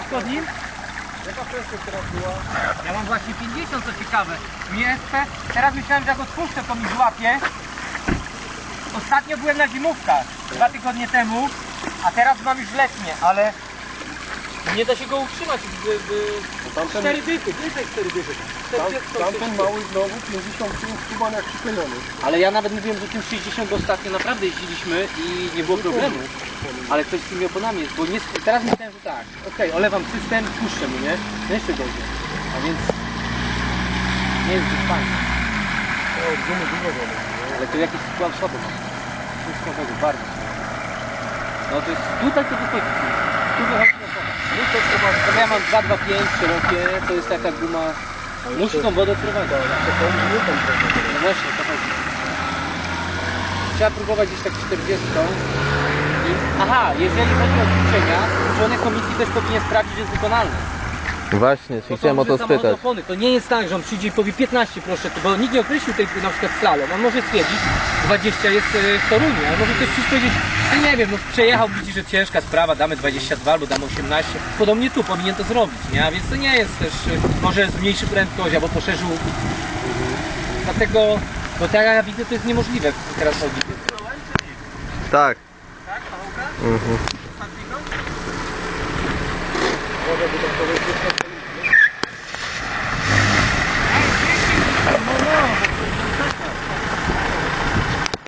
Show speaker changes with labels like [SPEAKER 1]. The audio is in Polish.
[SPEAKER 1] wszystko z nim?
[SPEAKER 2] Jaka prędkość teraz była?
[SPEAKER 1] Ja mam właśnie 50, co ciekawe. Mi SP, teraz myślałem, że jak odpuszczę, to mi złapie. Ostatnio byłem na zimówkach, 2 tygodnie temu, a teraz mam już letnie, ale nie da się go utrzymać w 4 dychy, więcej 4 dychy.
[SPEAKER 2] Tamten mały znowu 55 kuban jak przyklejony.
[SPEAKER 1] Ale ja nawet mówiłem, że tym 60 ostatnio naprawdę jeździliśmy i nie było problemu. Ale ktoś z tymi oponami jest, bo nie, teraz myślałem, że tak, okej, olewam system, puszczę mu, nie? No jeszcze gorzej. A więc nie jest zbyt fajnie.
[SPEAKER 2] O, gumy dużo wody.
[SPEAKER 1] Ale to jakiś skład słaby ma. Coś słabego, bardzo słabego. No to jest, tutaj to wychodzi. Tu wychodzi na wodę.
[SPEAKER 2] No to trzeba...
[SPEAKER 1] To ja mam 225 szerokie, to jest taka guma. Musi tą wodę odprowadzić.
[SPEAKER 2] Nie tam trochę.
[SPEAKER 1] No właśnie, to chodzi. Trzeba próbować gdzieś tak 40. Aha, jeżeli chodzi o ćwiczenia, członek komisji też powinien sprawdzić, że jest wykonalne.
[SPEAKER 3] Właśnie,
[SPEAKER 1] Bo
[SPEAKER 3] chciałem o to
[SPEAKER 1] samochód
[SPEAKER 3] spytać.
[SPEAKER 1] opony. To nie jest tak, że on przyjdzie i powie 15 proszę, bo nikt nie określił tej na przykład slalom. On może stwierdzić, 20 jest w Toruniu, ale może ktoś przyjść powiedzieć, no nie wiem, no przejechał, widzi, że ciężka sprawa, damy 22 albo damy 18. Podobnie tu powinien to zrobić, nie? A więc to nie jest też, może zmniejszy prędkość albo poszerzył. Dlatego, bo tak jak ja widzę, to jest niemożliwe teraz chodzi.
[SPEAKER 3] Tak.
[SPEAKER 1] Tak,
[SPEAKER 3] Mhm.
[SPEAKER 2] Może by to powiedzieć,